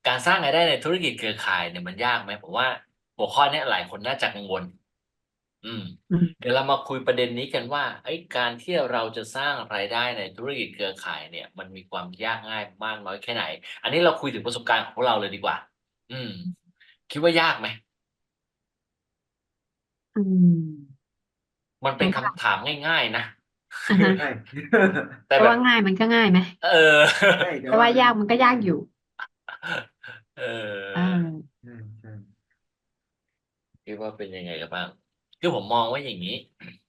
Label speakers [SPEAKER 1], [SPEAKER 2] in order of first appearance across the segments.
[SPEAKER 1] การสร้างรายได้ในธุรกิจเครือข่ายเนี่ยมันยากไหมผมว่าหัวข้อเนี้ยหลายคนน่าจะกังวลอืม
[SPEAKER 2] อืม
[SPEAKER 1] เดี๋ยวเรามาคุยประเด็นนี้กันว่าเฮ้ยการที่เราจะสร้างรายได้ในธุรกิจเครือข่ายเนี่ยมันมีความยากง่ายมากน้อยแค่ไหนอันนี้เราคุยถึงประสบการณ์ของพวกเราเลยดีกว่าอืมคิดว่ายากไหม
[SPEAKER 2] อืม
[SPEAKER 1] มันเป็น
[SPEAKER 2] แต่ว่า
[SPEAKER 1] คำถามง่ายๆนะ
[SPEAKER 2] อะฮะ
[SPEAKER 3] ใช่
[SPEAKER 1] แต่แบบ
[SPEAKER 2] แต่ว่าง่ายมันก็ง่ายไหม
[SPEAKER 1] เออ
[SPEAKER 3] ใช่แต่
[SPEAKER 2] แต่
[SPEAKER 3] ว่ามัน
[SPEAKER 2] ว่ายากมันก็ยากอยู่
[SPEAKER 1] เอ
[SPEAKER 2] เอ
[SPEAKER 1] อ
[SPEAKER 2] อ
[SPEAKER 3] ใช่ใช่
[SPEAKER 1] คิดว่าเป็นยังไงกันบ้างคือผมมองว่าอย่างงี้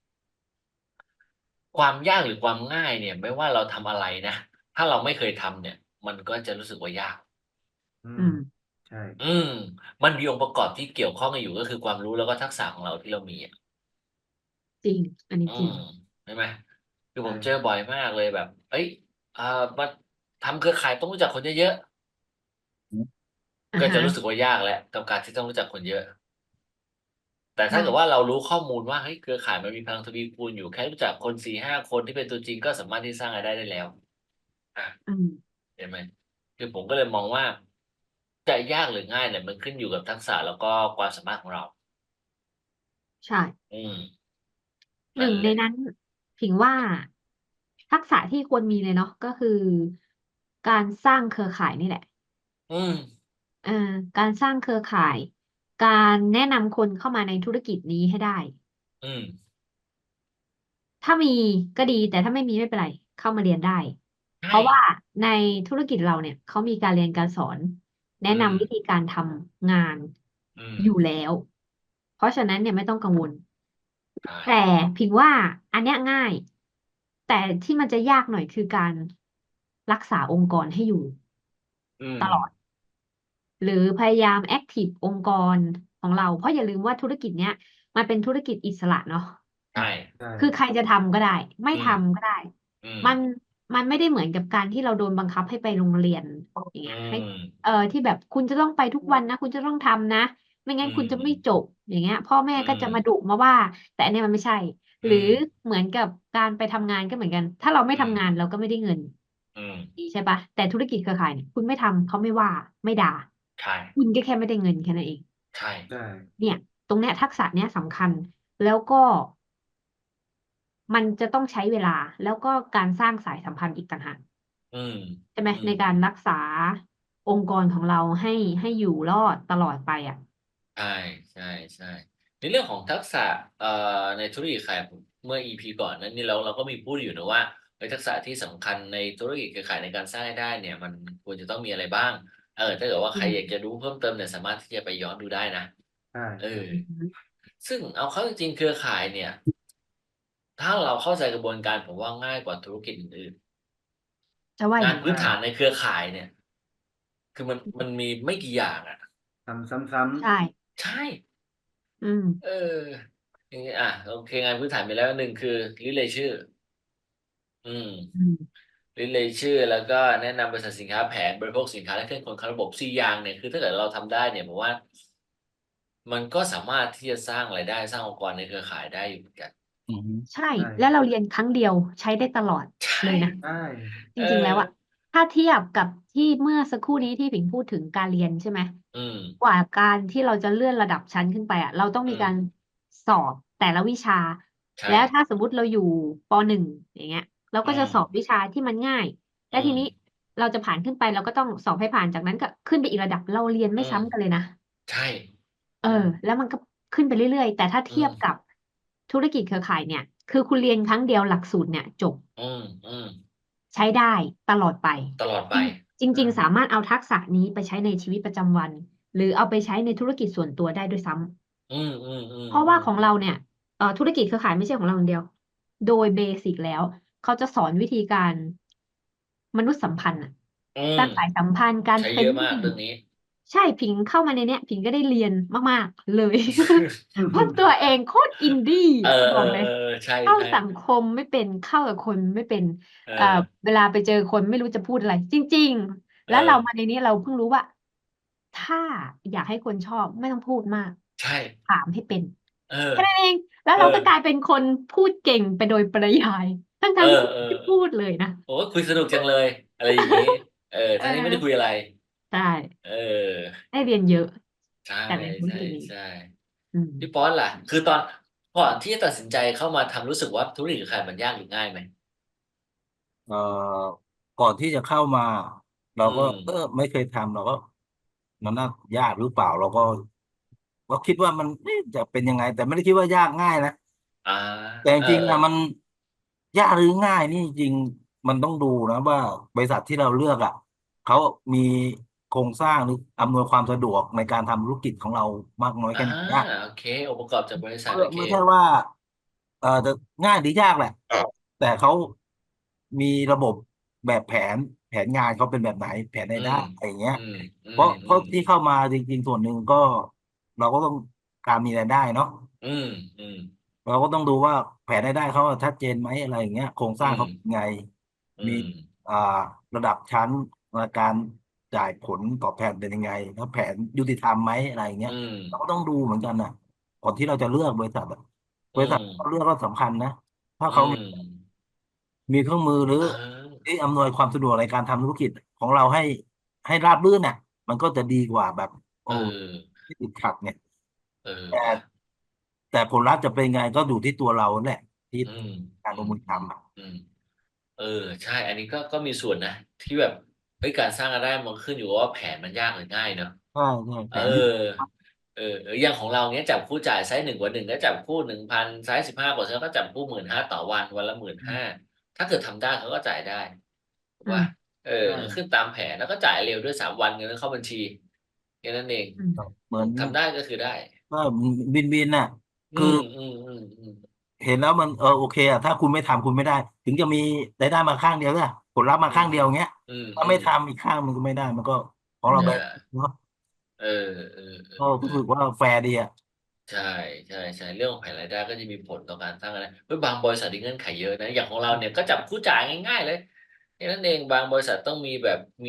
[SPEAKER 1] ความยากหรือความง่ายเนี่ยไม่ว่าเราทำอะไรนะถ้าเราไม่เคยทำเนี่ยมันก็จะรู้สึกว่ายาก
[SPEAKER 3] อืม
[SPEAKER 2] อืม
[SPEAKER 3] ใช่
[SPEAKER 1] อืมมันมีองค์ประกอบที่เกี่ยวข้องกันอยู่ก็คือความรู้แล้วก็ทักษะของเราที่เรามีอะ
[SPEAKER 2] จริงอันนี้
[SPEAKER 1] อืม
[SPEAKER 2] จริง
[SPEAKER 1] ใช่ไหมคือผมเจอ
[SPEAKER 3] ใช่
[SPEAKER 1] บ่อยมากเลยแบบเฮ้ยมาทำเครือข่ายต้องรู้จักคนเยอะๆ
[SPEAKER 2] อะฮะ
[SPEAKER 1] ก็จะรู้สึกว่ายากแล้วกับการที่ต้องรู้จักคนเยอะแต่ถ้าเกิดว่า
[SPEAKER 2] ใช่
[SPEAKER 1] เรารู้ข้อมูลว่าเฮ้ยเครือข่ายมันมีพลังทวีคูณอยู่แค่รู้จักคน4-5คนที่เป็นตัวจริงก็สามารถที่สร้างรายได้ได้แล้วอา
[SPEAKER 2] อืม
[SPEAKER 1] เห็นไหมคือผมก็เลยมองว่าจะยากหรือง่ายเนี่ยมันขึ้นอยู่กับทักษะแล้วก็ความสามารถของเรา
[SPEAKER 2] ใช่
[SPEAKER 1] อืม
[SPEAKER 2] ห
[SPEAKER 1] นั่นแหละ
[SPEAKER 2] นึ่งในนั้นผิงว่าทักษะที่ควรมีเลยเนาะก็คือการสร้างเครือข่ายนี่แหละ
[SPEAKER 1] อืม
[SPEAKER 2] เอ่อการสร้างเครือข่ายการแนะนำคนเข้ามาในธุรกิจนี้ให้ได้
[SPEAKER 1] อืม
[SPEAKER 2] ถ้ามีก็ดีแต่ถ้าไม่มีไม่เป็นไรเข้ามาเรียนได้เพ
[SPEAKER 1] ใช่
[SPEAKER 2] ราะว่าในธุรกิจเราเนี่ยเขามีการเรียนการสอนแนะ
[SPEAKER 1] อืม
[SPEAKER 2] นำวิธีการทำงาน
[SPEAKER 1] อืม
[SPEAKER 2] อยู่แล้วเพราะฉะนั้นเนี่ยไม่ต้องกังวล
[SPEAKER 1] ใช่
[SPEAKER 2] แต่พิงว่าอันเนี้ยง่ายแต่ที่มันจะยากหน่อยคือการรักษาองค์กรให้อยู่
[SPEAKER 1] อืม
[SPEAKER 2] ตลอด หรือพยายามแอคทีฟองค์กรของเราเพราะอย่าลืมว่าธุรกิจเนี้ยมันเป็นธุรกิจอิสระเนาะ
[SPEAKER 1] ใช่
[SPEAKER 3] ใช่
[SPEAKER 2] คือใครจะทำก็ได้ไม่
[SPEAKER 1] อืม
[SPEAKER 2] ทำก็ได้
[SPEAKER 1] อืม
[SPEAKER 2] มันมันไม่ได้เหมือนกับการที่เราโดนบังคับให้ไปโรงเรียนอย่าง
[SPEAKER 1] อื
[SPEAKER 2] เงี้ยให้
[SPEAKER 1] ม
[SPEAKER 2] ที่แบบคุณจะต้องไปทุกวันนะคุณจะต้องทำนะไม่งั้
[SPEAKER 1] อื
[SPEAKER 2] นคุณจะไม่จ
[SPEAKER 1] ม
[SPEAKER 2] บอย่างเงี้ยพ่อแม่
[SPEAKER 1] อื
[SPEAKER 2] ก็จะมาดุ
[SPEAKER 1] ม
[SPEAKER 2] มาว่าแต่อันเนี้ยมันไม่ใช่หรือ
[SPEAKER 1] อืม
[SPEAKER 2] เหมือนกับการไปทำงานก็เหมือนกันถ้าเราไม่
[SPEAKER 1] อืม
[SPEAKER 2] ทำงานเราก็ไม่ได้เงิน
[SPEAKER 1] อืม
[SPEAKER 2] ใช่ปะแต่ธุรกิจเครือข่ายเนี่ยคุณไม่ทำเขาไม่ว่าไม่ด่า
[SPEAKER 1] ใช่
[SPEAKER 2] คุณก็แค่ไม่ได้เงินแค่นั้นเอง
[SPEAKER 1] ใช่
[SPEAKER 3] ใช่
[SPEAKER 2] เนี่ยตรงเนี้ยทักษะเนี้ยสำคัญแล้วก็มันจะต้องใช้เวลาแล้วก็การสร้างสายสัมพันธ์อีกต่างหาก
[SPEAKER 1] อืม
[SPEAKER 2] ใช่ไหม
[SPEAKER 1] อืม
[SPEAKER 2] ในการรักษาองค์กรของเราให้อยู่รอดตลอดไปอ่ะ
[SPEAKER 1] ใช่ใช่ใช่ในเรื่องของทักษะเอ่อในธุรกิจขายเมื่อ EP ก่อนนั้นนี่เราก็มีพูดอยู่นะว่าเฮ้ยทักษะที่สำคัญในธุรกิจเครือข่ายในการสร้างรายได้เนี่ยมันควรจะต้องมีอะไรบ้างถ้าเกิดว่าใครอยาก
[SPEAKER 2] อืม
[SPEAKER 1] จะรู้เพิ่มเติมเนี่ยสามารถที่จะไปย้อนดูได้นะ
[SPEAKER 3] ใช่
[SPEAKER 1] เออ
[SPEAKER 3] ใช่
[SPEAKER 2] อืม
[SPEAKER 1] ซึ่งเอาเข้าจริงๆเครือข่ายเนี่ยถ้าเราเข้าใจกระบวนการผมว่าง่ายกว่าธุรกิจอื่น
[SPEAKER 2] จะว่าอย่างนั้น
[SPEAKER 1] ๆงานพื้น
[SPEAKER 3] ใช่
[SPEAKER 1] ฐานในเครือข่ายเนี่ยคือมันมีไม่กี่อย่างอ่ะ
[SPEAKER 3] ทำซ้
[SPEAKER 2] ใช่
[SPEAKER 1] ใช่
[SPEAKER 2] อืม
[SPEAKER 1] เอออย่างเงี้ยโอเคงานพื้นฐานไปแล้วหนึ่งคือริเลย์ชื่ออืม
[SPEAKER 2] อืม
[SPEAKER 1] ริเลย์ชื่อแล้วก็แนะนำบริษัทสินค้าแผนบริโภคสินค้าและเครื่องกลเข้าระบบสี่อย่างเนี่ยคือถ้าเกิดเราทำได้เนี่ยผมว่ามันก็สามารถที่จะสร้างรายได้สร้างองค์กรในเครือข่ายได้อยู่เหมือนกันอืม
[SPEAKER 2] ใช่
[SPEAKER 3] ใช่
[SPEAKER 2] แล้วเราเรียนครั้งเดียวใช้ได้ตลอด
[SPEAKER 1] ใช่
[SPEAKER 2] เลยนะ
[SPEAKER 3] ใช่
[SPEAKER 2] จ
[SPEAKER 1] เออ
[SPEAKER 2] ริงๆแล้วอะถ้าเทียบกับที่เมื่อสักครู่นี้ที่ผิงพูดถึงการเรียนใช่ไหม
[SPEAKER 1] อืม
[SPEAKER 2] กว่าการที่เราจะเลื่อนระดับชั้นขึ้นไปอะเราต้อง
[SPEAKER 1] อืม
[SPEAKER 2] มีการสอบแต่ละวิชา
[SPEAKER 1] ใช่
[SPEAKER 2] แล้วถ้าสมมุติเราอยู่ป.1อย่างเงี้ยเรา
[SPEAKER 1] อื
[SPEAKER 2] ก็จะ
[SPEAKER 1] ม
[SPEAKER 2] สอบวิชาที่มันง่ายและ
[SPEAKER 1] อืม
[SPEAKER 2] ทีนี้เราจะผ่านขึ้นไปเราก็ต้องสอบให้ผ่านจากนั้นก็ขึ้นไปอีกระดับเราเรียน
[SPEAKER 1] อื
[SPEAKER 2] ไม่
[SPEAKER 1] ม
[SPEAKER 2] ซ้ำกันเลยนะ
[SPEAKER 1] ใช่
[SPEAKER 2] เออ
[SPEAKER 3] ใช่
[SPEAKER 2] แล้วมันก็ขึ้นไปเรื่อยๆแต่ถ้า
[SPEAKER 1] อื
[SPEAKER 2] เทียบกับ
[SPEAKER 1] ม
[SPEAKER 2] ธุรกิจเครือข่ายเนี่ยคือคุณเรียนครั้งเดียวหลักสูตรเนี่ยจบ
[SPEAKER 1] อืมอืม
[SPEAKER 2] ใช้ได้ตลอดไป
[SPEAKER 1] ตลอดไป
[SPEAKER 2] จริงจ
[SPEAKER 3] ใช่
[SPEAKER 2] ริงๆสามารถเอาทักษะนี้ไปใช้ในชีวิตประจำวันหรือเอาไปใช้ในธุรกิจส่วนตัวได้ด้วยซ้
[SPEAKER 1] อืมอืมอื
[SPEAKER 2] ำ
[SPEAKER 1] ม
[SPEAKER 2] เพราะว่า
[SPEAKER 1] อืม
[SPEAKER 2] ของเราเนี่ยธุรกิจเครือข่ายไม่ใช่ของเราอย่างเดียวโดยเบสิกแล้วเขาจะสอนวิธีการมนุษยสัมพันธ์อะ
[SPEAKER 1] อื
[SPEAKER 2] สร้างสาย
[SPEAKER 1] ม
[SPEAKER 2] สัมพันธ์การเฟร
[SPEAKER 1] ใช้เยอะ
[SPEAKER 2] นลี่
[SPEAKER 1] มากเรื่องนี้
[SPEAKER 2] ใช่ผิงเข้ามาในเนี้ยผิงก็ได้เรียนมากๆเลยเพราะตัวเองโคตรอินดี้
[SPEAKER 1] เออเออ
[SPEAKER 2] บอกเลย
[SPEAKER 1] เออใช่
[SPEAKER 2] เข้า
[SPEAKER 1] ใช่
[SPEAKER 2] สังคมไม่เป็นเข้ากับคนไม่เป็น
[SPEAKER 1] เอ
[SPEAKER 2] เอ่อ
[SPEAKER 1] อ
[SPEAKER 2] เวลาไปเจอคนไม่รู้จะพูดอะไรจริงๆ
[SPEAKER 1] เอ
[SPEAKER 2] แล้วเรามา
[SPEAKER 1] อ
[SPEAKER 2] ในนี้เราเพิ่งรู้ว่าถ้าอยากให้คนชอบไม่ต้องพูดมาก
[SPEAKER 1] ใช่
[SPEAKER 2] ถามให้เป็น
[SPEAKER 1] เออ
[SPEAKER 2] แค่นั้นเองแล้ว
[SPEAKER 1] เออ
[SPEAKER 2] เราก็กลายเป็นคนพูดเก่งไปโดยปริยายทั้ง
[SPEAKER 1] เออ
[SPEAKER 2] ทั้งที่
[SPEAKER 1] เออ
[SPEAKER 2] ไม่ได้พูดเลยนะ
[SPEAKER 1] โอ้คุยสนุกจังเลยอะไรอย่างนี้
[SPEAKER 2] เอ
[SPEAKER 1] ทั้งนี้ไม่ได้คุย
[SPEAKER 2] อ
[SPEAKER 1] อะไร
[SPEAKER 2] ใช่
[SPEAKER 1] เออ
[SPEAKER 2] ได้เรียนเยอะ
[SPEAKER 1] ใช่
[SPEAKER 2] แต่ในธุร
[SPEAKER 1] ใช่
[SPEAKER 2] กิจนี้
[SPEAKER 1] ใช่
[SPEAKER 2] อืม
[SPEAKER 1] พี่ป๊อตล่ะ คือตอนก่อนที่จะตัดสินใจเข้ามาทำรู้สึกว่าธุรกิจเครือข่ายมันยากหรือง่ายไหม
[SPEAKER 4] เอ่อก่อนที่จะเข้ามา เรา
[SPEAKER 1] อื
[SPEAKER 4] ก็
[SPEAKER 1] ม
[SPEAKER 4] ไม่เคยทำเราก็มันน่ายากหรือเปล่า เราก็คิดว่ามันจะเป็นยังไง แต่ไม่ได้คิดว่ายากง่ายนะ
[SPEAKER 1] อ่า
[SPEAKER 4] แต่จ
[SPEAKER 1] เออ
[SPEAKER 4] ริงๆ
[SPEAKER 1] เออ
[SPEAKER 4] อะมันยากหรือง่ายนี่จริงๆมันต้องดูนะว่าบริษัทที่เราเลือกอ่ะเขามีโครงสร้างหรืออำนวยความสะดวกในการทำธุรกิจของเรามากน้อย
[SPEAKER 1] อ่า
[SPEAKER 4] แค่ไหนนะ
[SPEAKER 1] โอเคองค์ประกอบจากบริษัท โอเค
[SPEAKER 4] ไม่ใช่ว่าจะง่ายหรือยากแหละ แต่เขามีระบบแบบแผนงานเขาเป็นแบบไหนแผน
[SPEAKER 1] อื
[SPEAKER 4] รายได้
[SPEAKER 1] ม
[SPEAKER 4] อะไรอย่างเงี้ย
[SPEAKER 1] อืม อื
[SPEAKER 4] เพ
[SPEAKER 1] ม
[SPEAKER 4] ราะ
[SPEAKER 1] อื
[SPEAKER 4] เพราะ
[SPEAKER 1] ม
[SPEAKER 4] ที่เข้ามาจริงๆส่วนหนึ่งก็เราก็ต้องการมีรายได้เนาะ
[SPEAKER 1] อืม อืม
[SPEAKER 4] เราก็ต้องดูว่าแผนรายได้เขาชัดเจนไหมอะไรอย่างเงี้ยโครงส
[SPEAKER 1] อื
[SPEAKER 4] ร้าง
[SPEAKER 1] ม
[SPEAKER 4] เขาเป็นไง
[SPEAKER 1] อื
[SPEAKER 4] มี
[SPEAKER 1] ม
[SPEAKER 4] อ่าระดับชั้นในการจ่ายผลตอบแทนเป็นยังไง แล้วแผนยุติธรรมไหมอะไรอย่างเงี้ย
[SPEAKER 1] อืม
[SPEAKER 4] เราก็ต้องดูเหมือนกันนะก่อนที่เราจะเลือกบริษัทอะบ
[SPEAKER 1] อื
[SPEAKER 4] ริษัท
[SPEAKER 1] ม
[SPEAKER 4] เราเลือกก็สำคัญนะ ถ้า
[SPEAKER 1] อื
[SPEAKER 4] เขา
[SPEAKER 1] ม
[SPEAKER 4] มีเครื่องมือหรือ
[SPEAKER 1] เออ
[SPEAKER 4] ที่อำนวยความสะดวกในการทำธุรกิจของเราให้ราบรื่นเนี่ยมันก็จะดีกว่าแบบ
[SPEAKER 1] เออ
[SPEAKER 4] ที่ติดขัดเนี่ย
[SPEAKER 1] เออ
[SPEAKER 4] แต่
[SPEAKER 1] ว่ะ
[SPEAKER 4] แต่ผลลัพธ์จะเป็นไงก็อยู่ที่ตัวเราแหละที่
[SPEAKER 1] อืม
[SPEAKER 4] การ
[SPEAKER 1] อื
[SPEAKER 4] ลง
[SPEAKER 1] ม
[SPEAKER 4] มือ
[SPEAKER 1] อืม
[SPEAKER 4] ทำอะ
[SPEAKER 1] อืม เออ ใช่ อันนี้ก็มีส่วนนะ ที่แบบเฮ้ยการสร้างรายได้มันขึ้นอยู่กับว่าแผนมันยากหรือง่ายเนาะ
[SPEAKER 4] ใช่ใช่
[SPEAKER 1] เอ
[SPEAKER 4] แผนยุติ
[SPEAKER 1] อ อย่างของเราเนี้ยจับคู่จ่ายไซส์1 กว่า 1ก็จับคู่ 1,000ไซส์15%ก็จับคู่ 15,000 ต่อวัน วันละ 15,000 ถ้าเกิดทำได้เขาก็จ่ายได้ถูก
[SPEAKER 2] อื
[SPEAKER 1] เปล่า
[SPEAKER 2] ม
[SPEAKER 3] ใช่
[SPEAKER 1] ก็ขึ้นตามแผนแล้วก็จ่ายเร็วด้วย3 วันเงินก็เข้าบัญชีแค่นั้นเอง
[SPEAKER 2] อืม
[SPEAKER 4] เหมือน
[SPEAKER 1] ทำได้ก็คือได้
[SPEAKER 4] ก็วินน่ะ
[SPEAKER 1] อื
[SPEAKER 4] คือ
[SPEAKER 1] ม
[SPEAKER 4] เห็นแล้วมันโอเคอะถ้าคุณไม่ทำคุณไม่ได้ ถึงจะมีรายได้มาข้างเดียวเนี่ยผลลัพธ์มา
[SPEAKER 1] อื
[SPEAKER 4] ข้าง
[SPEAKER 1] ม
[SPEAKER 4] เดียวอย่างเงี้ย
[SPEAKER 1] อืม
[SPEAKER 4] ถ้าไม่ทำอีกข้างมันก็ไม่ได้มันก็ของ
[SPEAKER 2] อื
[SPEAKER 4] เรา
[SPEAKER 2] ม
[SPEAKER 4] แบ
[SPEAKER 1] ใช่
[SPEAKER 4] บเนาะ
[SPEAKER 1] เออ
[SPEAKER 4] ก็รู้สึกว่าแฟร์ดีอะ
[SPEAKER 1] ใช่ ๆ เรื่องของแผนรายได้ก็จะมีผลต่อการสร้างรายได้ เฮ้ย บางบริษัทมีเงื่อนไขเยอะนะ อย่างของเราเนี่ยก็จับคู่จ่ายง่าย ๆ เลย แค่นั้นเอง บางบริษัทต้องมีแบบมี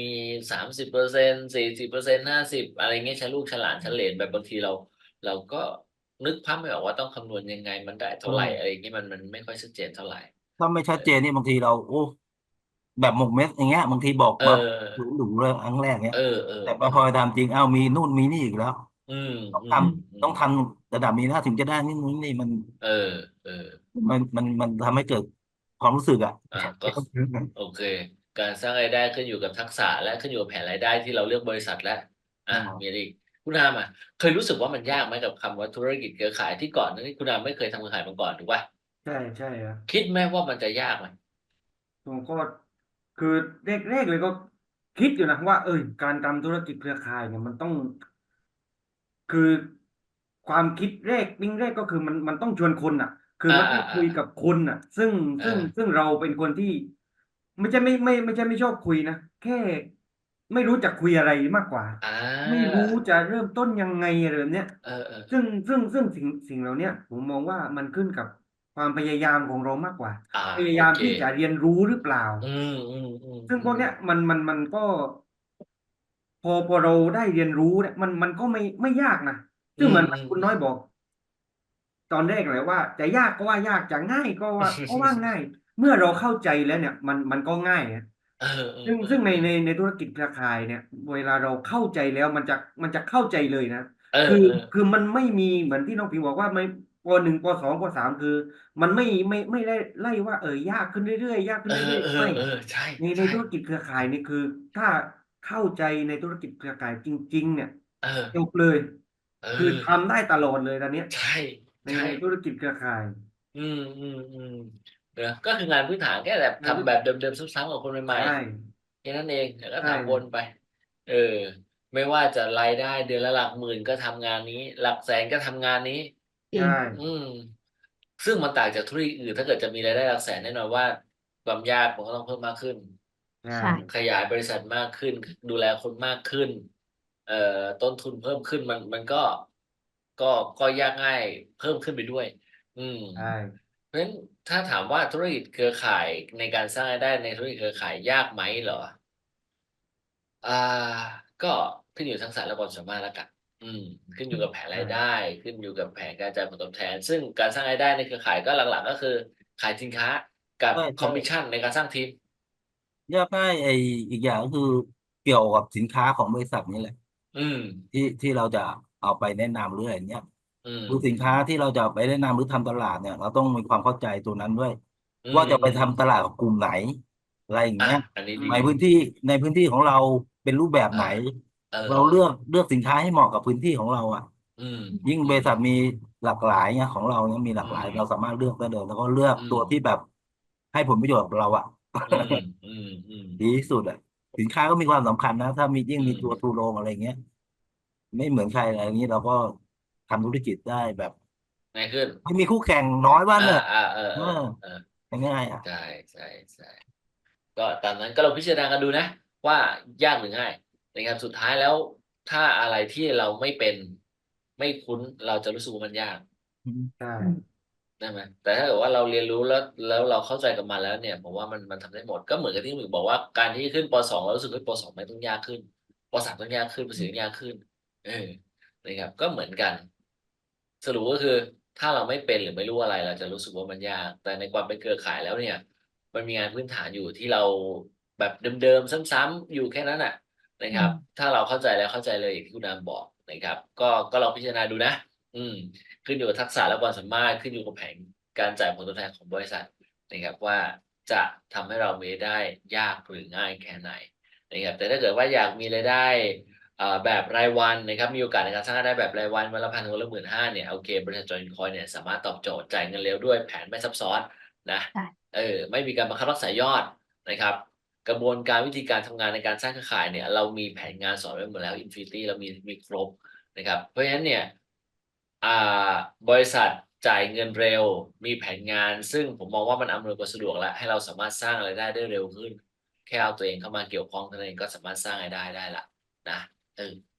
[SPEAKER 1] 30% 40% 50 อะไรเงี้ย ชั้นลูกชั้นหลานชั้นเหลน แบบบางทีเราก็นึกภาพไม่ออกว่าต้องคำนวณยังไง มันได้เท่าไร อะไรอย่างงี้ มันไม่ค่อยชัดเจนเท่าไร
[SPEAKER 4] ถ้าไม่
[SPEAKER 1] เอ
[SPEAKER 4] ชัดเจน
[SPEAKER 1] อ
[SPEAKER 4] นี่บางทีเรา โอ้ แบบหมกเม็ด อย่างเงี้ย บางทีบอก
[SPEAKER 1] เออ
[SPEAKER 4] มาหรูๆเลยครั้งแรกเงี้
[SPEAKER 1] เอย
[SPEAKER 4] แต่พ
[SPEAKER 1] อ
[SPEAKER 4] อ
[SPEAKER 1] ๆ
[SPEAKER 4] ไปทำจริง อ้าว มีนู่นมีนี่อีกแล้ว
[SPEAKER 1] อืม
[SPEAKER 4] ต้อง
[SPEAKER 1] อื
[SPEAKER 4] ท
[SPEAKER 1] ม
[SPEAKER 4] ำต้องทำระดับนี้นะถึงจะได้นู่นนี่มัน
[SPEAKER 1] เออ
[SPEAKER 4] มันทำให้เกิดความรู้สึกอะ
[SPEAKER 1] ก็ โอเค การสร้างรายได้ขึ้นอยู่กับทักษะ และขึ้นอยู่กับแผนรายได้ที่เราเลือกบริษัทแล้ว มีอะไรอีก คุณอามอะเคยรู้สึกว่ามันยากไหมกับคำว่าธุรกิจเครือข่ายที่ก่อนหน้านี้คุณอามไม่เคยทำเครือข่ายมาก่อนถูกเปล่า?
[SPEAKER 3] ใช่ครับ
[SPEAKER 1] คิดไหมว่ามันจะยากไหม?
[SPEAKER 3] ผมก็ คือแรกๆเลยก็คิดอยู่นะว่า การทำธุรกิจเครือข่ายเนี่ยมันต้อง คือความคิดปิ๊งแรกก็คือมันต้องชวนคนน่ะ คือมันต้องคุยกับคนน่ะ ซึ่ง
[SPEAKER 1] เออ
[SPEAKER 3] เราเป็นคนที่ ไม่ใช่ไม่ชอบคุยนะ แค่ไม่รู้จะคุยอะไรมากกว่า
[SPEAKER 1] อา
[SPEAKER 3] ไม่รู้จะเริ่มต้นยังไงอะไรแบบเนี้ย
[SPEAKER 1] เออ ๆ
[SPEAKER 3] ซึ่งสิ่งเหล่าเนี้ยผมมองว่ามันขึ้นกับความพยายามของเรามากกว่า พยา
[SPEAKER 1] โอเค
[SPEAKER 3] ยามที่จะเรียนรู้หรือเปล่า
[SPEAKER 1] อื
[SPEAKER 3] ซึ่งพวกเนี้ย
[SPEAKER 1] ม
[SPEAKER 3] มันก็ พอเราได้เรียนรู้เนี่ยมันก็ไม่ยากนะ
[SPEAKER 1] อื
[SPEAKER 3] ซึ่งเหมือนคุณน้อย
[SPEAKER 1] ม
[SPEAKER 3] บอก ตอนแรกเลยว่าจะยากก็ว่ายาก จะง่ายก็ว่าง่าย เมื่อเราเข้าใจแล้วเนี่ยมันก็ง่ายอะ
[SPEAKER 1] เออ
[SPEAKER 3] ซึ่งใน
[SPEAKER 1] ๆ ๆ ๆ
[SPEAKER 3] ในธุรกิจเครือข่ายเนี่ย เวลาเราเข้าใจแล้วมันจะเข้าใจเลยนะ
[SPEAKER 1] เอ
[SPEAKER 3] คือ
[SPEAKER 1] อ ๆ
[SPEAKER 3] มันไม่มีเหมือนที่น้องผิงบอกว่าไม่ ป. 1 ป. 2 ป. 3 คือมันไม่ได้ไล่ว่า ยากขึ้นเรื่อยๆ ยากขึ้นเรื่อยๆ ไม่
[SPEAKER 1] ใช่
[SPEAKER 3] ใน
[SPEAKER 1] ๆ
[SPEAKER 3] ธุรกิจเครือข่ายนี่คือถ้าเข้าใจในธุรกิจเครือข่ายจริง ๆ เนี่ย
[SPEAKER 1] เออ
[SPEAKER 3] จบเลย
[SPEAKER 1] เ
[SPEAKER 3] คือ
[SPEAKER 1] ออ
[SPEAKER 3] ทำได้ตลอดเลยตอนเนี้ย
[SPEAKER 1] ใช่
[SPEAKER 3] ใน
[SPEAKER 1] ใช่
[SPEAKER 3] ธุรกิจเครือข่าย
[SPEAKER 1] อืม เนาะ ก็คืองานพื้นฐานแค่แบบทำแบบเดิมๆซ้ำๆกับคนให
[SPEAKER 3] ใช
[SPEAKER 1] ม่
[SPEAKER 3] ่
[SPEAKER 1] ๆ แค่นั้นเอง แล้วก็
[SPEAKER 3] ใช่
[SPEAKER 1] ทำวนไป เออ ไม่ว่าจะรายได้เดือนละหลักหมื่นก็ทำงานนี้ หลักแสนก็ทำงานนี้
[SPEAKER 2] จริ
[SPEAKER 3] ใช่
[SPEAKER 2] ง
[SPEAKER 1] อืม ซึ่งมันต่างจากธุรกิจอื่น ถ้าเกิดจะมีรายได้หลักแสนแน่นอนว่าความยากมันก็ต้องเพิ่มมากขึ้น
[SPEAKER 3] ใช่
[SPEAKER 2] ใช่
[SPEAKER 1] ขยายบริษัทมากขึ้น ดูแลคนมากขึ้น ต้นทุนเพิ่มขึ้น มันก็ยากง่ายเพิ่มขึ้นไปด้วย อืม
[SPEAKER 3] ใช่
[SPEAKER 1] เพราะฉะนั้นถ้าถามว่าธุรกิจเครือข่ายในการสร้างรายได้ในธุรกิจเครือข่ายยากไหมเหรอ? ก็ขึ้นอยู่ทักษะและความสามารถแล้วกัน ขึ้นอยู่กับแผนรายได้ ขึ้นอยู่กับแผนการจ่ายผลตอบแทน ซึ่งการสร้างรายได้ในเครือข่ายก็หลัก ๆ ก็คือขายสินค้ากับ
[SPEAKER 4] ใช่
[SPEAKER 1] คอมมิชชันในการสร้างทีม
[SPEAKER 4] ยากง่ายอีกอย่างก็คือเกี่ยวกับสินค้าของบริษัทนี้แหละ
[SPEAKER 1] อืม
[SPEAKER 4] ที่เราจะเอาไปแนะนำหรืออะไรเนี้ย
[SPEAKER 1] อืม
[SPEAKER 4] คือสินค้าที่เราจะเอาไปแนะนำหรือทำตลาดเนี่ย เราต้องมีความเข้าใจตัวนั้นด้วย
[SPEAKER 1] อื
[SPEAKER 4] ว่าจะไป
[SPEAKER 1] ม
[SPEAKER 4] ทำตลาดกับกลุ่มไหน อะไรอย่าง
[SPEAKER 1] อ่ะ
[SPEAKER 4] เงี้ย
[SPEAKER 1] อันนี้
[SPEAKER 3] อื
[SPEAKER 1] ดี
[SPEAKER 3] ม
[SPEAKER 4] ในพื้นที่ของเราเป็นรูปแบบไหน เราเลือกสินค้าให้เหมาะกับพื้นที่ของเราอ่ะ
[SPEAKER 1] อืม
[SPEAKER 4] ยิ่งบริษัทมีหลากหลายเนี่ยของเราเนี่ยมีหลากหลาย
[SPEAKER 1] อืม
[SPEAKER 4] เราสามารถเลือกได้เลย แล้วก็เลือก
[SPEAKER 1] อื
[SPEAKER 4] ตัว
[SPEAKER 1] ม
[SPEAKER 4] ที่แบบให้ผลประโยชน์กับเราอ่ะ
[SPEAKER 1] อืม อืม อืม
[SPEAKER 4] ดีที่สุดอ่ะ สินค้าก็มีความสำคัญนะ ถ้ามียิ่ง
[SPEAKER 1] อื
[SPEAKER 4] มี
[SPEAKER 1] ม
[SPEAKER 4] ตัวทูโรงอะไรเงี้ย ไม่เหมือนใครอะไรอย่างนี้เราก็ทำธุรกิจได้แบบ
[SPEAKER 1] ง่ายขึ้น
[SPEAKER 4] ไม่มีคู่แข่งน้อยว่าเนอะ
[SPEAKER 1] เออ
[SPEAKER 4] เออ
[SPEAKER 1] เออ
[SPEAKER 4] ง่ายๆอ่ะ
[SPEAKER 1] ใช่ใช่ใช่ก็ตามนั้นก็เราพิจารณากันดูนะ ว่ายากหรือง่ายนะครับสุดท้ายแล้ว ถ้าอะไรที่เราไม่เป็นไม่คุ้นเราจะรู้สึกว่ามันยาก
[SPEAKER 3] ใช่
[SPEAKER 2] อืม
[SPEAKER 1] ได้ไหมแต่ถ้าเกิดว่าเราเรียนรู้แล้วเราเข้าใจกับมันแล้วเนี่ยผมว่ามันทำได้หมดก็เหมือนกับที่หมึกบอกว่าการที่ขึ้นป .2 เรารู้สึกว่าป .2 ไม่ต้องยากขึ้นป .3 ต้องยากขึ้นป .4 ต้องยากขึ้นเออนะครับก็เหมือนกัน สรุปก็คือถ้าเราไม่เป็นหรือไม่รู้อะไรเราจะรู้สึกว่ามันยากแต่ในความเป็นเครือข่ายแล้วเนี่ยมันมีงานพื้นฐานอยู่ที่เราแบบเดิมๆซ้ำๆอยู่แค่นั้นน่ะนะค
[SPEAKER 2] อื
[SPEAKER 1] รับ
[SPEAKER 2] ม
[SPEAKER 1] ถ้าเราเข้าใจแล้วเข้าใจเลยอย่างที่คุณนามบอกนะครับก็ลองพิจารณาดูนะอืม ขึ้นอยู่กับทักษะและความสามารถขึ้นอยู่กับแผนการจ่ายผลตอบแทนของบริษัทนะครับว่าจะทำให้เรามีรายได้ยากหรือง่ายแค่ไหนนะครับแต่ถ้าเกิดว่าอยากมีรายได้แบบรายวันนะครับมีโอกาสในการสร้างรายได้แบบรายวันวันละ1,000วันละ15,000เนี่ยโอเคบริษัทจอยคอยเนี่ยสามารถตอบโจทย์จ่ายเงินเร็วด้วยแผนไม่ซับซ้อนนะ
[SPEAKER 2] ใช่
[SPEAKER 1] ไม่มีการบังคับรักษายอดนะครับกระบวนการวิธีการทำงานในการสร้างเครือข่ายเนี่ยเรามีแผนงานสอนไว้หมดแล้ว Infinity เรามีครบนะครับเพราะฉะนั้นเนี่ยอ่าบริษัทจ่ายเงินเร็วมีแผนงานซึ่งผมมองว่ามันอำนวยความสะดวกและให้เราสามารถสร้างรายได้ได้เร็วขึ้นแค่เอาตัวเองเข้ามาเกี่ยวข้องเท่านั้นเองก็สามารถสร้างรายได้ได้ละนะ